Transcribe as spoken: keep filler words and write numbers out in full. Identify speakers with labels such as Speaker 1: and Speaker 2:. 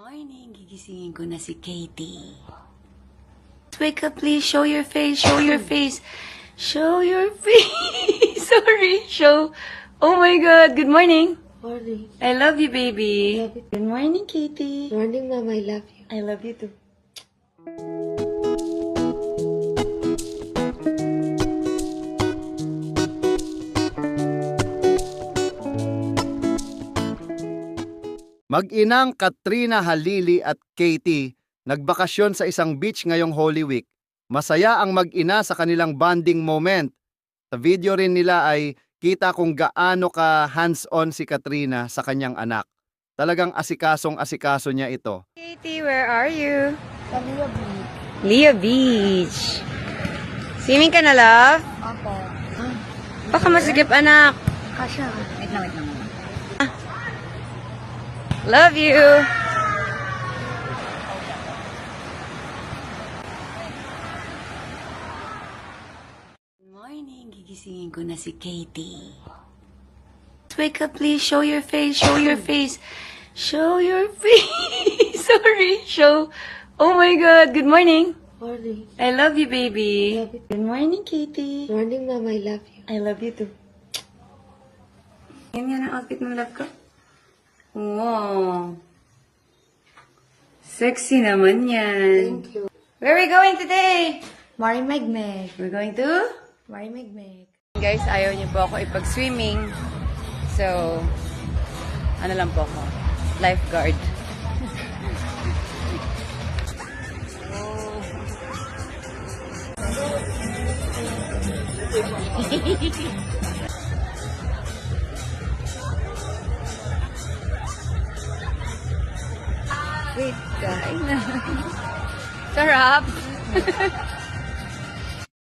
Speaker 1: Morning, gigisingin ko na si Katie. Wake up, please. Show your face. Show your face. Show your face. Sorry. Show. Oh my God. Good morning.
Speaker 2: Morning.
Speaker 1: I love you, baby.
Speaker 2: Love you.
Speaker 1: Good morning, Katie.
Speaker 2: Morning, Mom. I love you.
Speaker 1: I love you too.
Speaker 3: Mag-inang Katrina Halili at Katie nagbakasyon sa isang beach ngayong Holy Week. Masaya ang mag-ina sa kanilang bonding moment. Sa video rin nila ay kita kung gaano ka hands-on si Katrina sa kanyang anak. Talagang asikasong asikaso niya ito.
Speaker 1: Katie, where are you?
Speaker 2: Sa Leo Beach.
Speaker 1: Leo Beach. Swimming ka na, love?
Speaker 2: Opo.
Speaker 1: Baka masigip, anak.
Speaker 2: Kasha. Wait lang, wait lang.
Speaker 1: Love you. Good morning, gigisingin ko na si Katie. Wake up, please. Show your face. Show your face. Show your face. Sorry. Show. Oh my God. Good morning.
Speaker 2: Morning.
Speaker 1: I love you, baby.
Speaker 2: Love you.
Speaker 1: Good morning, Katie.
Speaker 2: Morning, Mom. I love you.
Speaker 1: I love you too. Yan yan ang outfit mo, love ko. Wow. Sexy naman yan.
Speaker 2: Thank you.
Speaker 1: Where are we going today?
Speaker 2: Mari Megmeg.
Speaker 1: We're going to?
Speaker 2: Mari Megmeg.
Speaker 1: Guys, ayaw niyo po ako ipag-swimming. So, ano lang po ako? Lifeguard. Wait, kain na. Sarap.